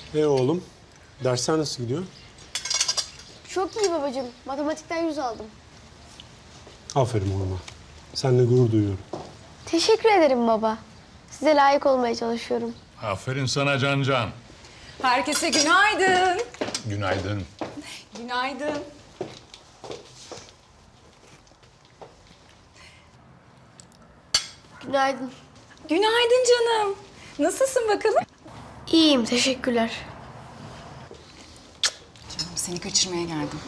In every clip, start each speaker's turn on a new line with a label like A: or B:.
A: Oğlum, dersler nasıl gidiyor?
B: Çok iyi babacığım. Matematikten 100 aldım.
A: Aferin oğluma. Seninle gurur duyuyorum.
B: Teşekkür ederim baba. Size layık olmaya çalışıyorum.
C: Aferin sana Can.
D: Herkese günaydın.
C: Günaydın.
D: Günaydın.
B: Günaydın.
D: Günaydın canım. Nasılsın bakalım?
B: İyiyim, teşekkürler.
D: Canım seni kaçırmaya geldim.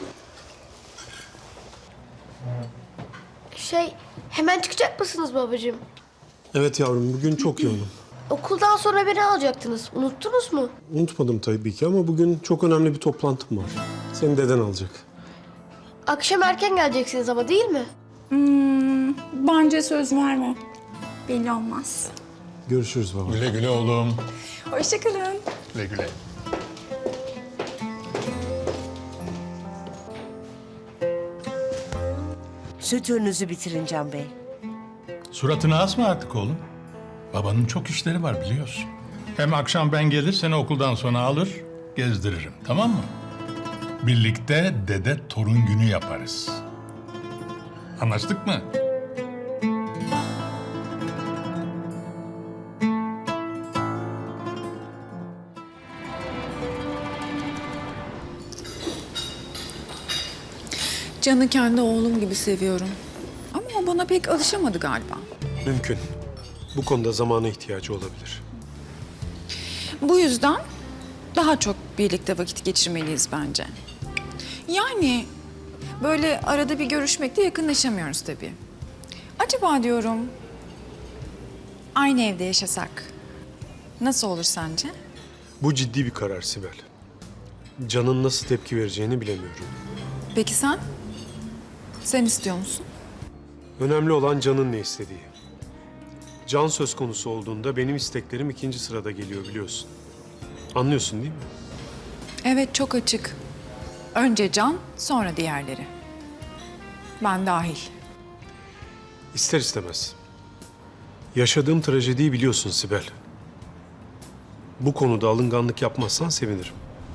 B: Hemen çıkacak mısınız babacığım?
A: Evet yavrum, bugün çok yoğunum.
B: Okuldan sonra beni alacaktınız. Unuttunuz mu?
A: Unutmadım tabii ki ama bugün çok önemli bir toplantım var. Seni deden alacak.
B: Akşam erken geleceksiniz ama değil mi?
D: Bence söz verme. Belli olmaz.
A: Görüşürüz baba.
C: Güle güle oğlum.
D: Hoşçakalın.
C: Güle güle.
E: Süt ürününüzü bitirin Can Bey.
C: Suratını asma artık oğlum. Babanın çok işleri var biliyorsun. Hem akşam ben gelir seni okuldan sonra alır, gezdiririm. Tamam mı? Birlikte dede torun günü yaparız. Anlaştık mı?
D: Can'ı kendi oğlum gibi seviyorum. Ama o bana pek alışamadı galiba.
A: Mümkün. Bu konuda zamana ihtiyacı olabilir.
D: Bu yüzden daha çok birlikte vakit geçirmeliyiz bence. Yani böyle arada bir görüşmekle yakınlaşamıyoruz tabii. Acaba diyorum aynı evde yaşasak nasıl olur sence?
A: Bu ciddi bir karar Sibel. Can'ın nasıl tepki vereceğini bilemiyorum.
D: Peki sen? Sen istiyor musun?
A: Önemli olan Can'ın ne istediği. Can söz konusu olduğunda benim isteklerim ikinci sırada geliyor biliyorsun. Anlıyorsun değil mi?
D: Evet, çok açık. Önce Can, sonra diğerleri. Ben dahil.
A: İster istemez. Yaşadığım trajediyi biliyorsun Sibel. Bu konuda alınganlık yapmazsan sevinirim.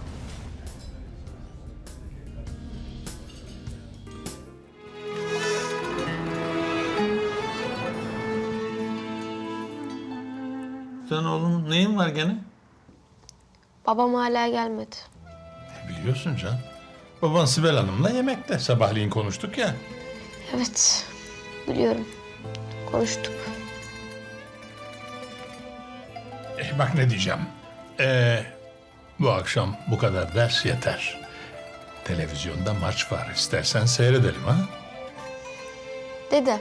C: Sen oğlum neyin var gene?
B: Babam hala gelmedi.
C: Biliyorsun Can. Baban Sibel Hanım'la yemekte. Sabahleyin konuştuk ya.
B: Evet, biliyorum. Konuştuk.
C: Bak ne diyeceğim. Bu akşam bu kadar ders yeter. Televizyonda maç var. İstersen seyredelim ha?
B: Dede.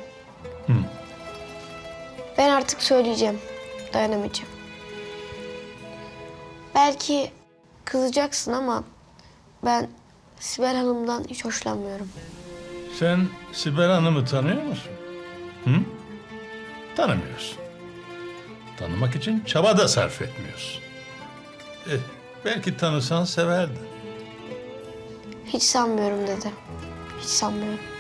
B: Ben artık söyleyeceğim. Dayanamayacağım. Belki kızacaksın ama ben Sibel Hanım'dan hiç hoşlanmıyorum.
C: Sen Sibel Hanım'ı tanıyor musun? Hı? Tanımıyorsun. Tanımak için çaba da sarf etmiyorsun. Belki tanısan severdin.
B: Hiç sanmıyorum dede. Hiç sanmıyorum.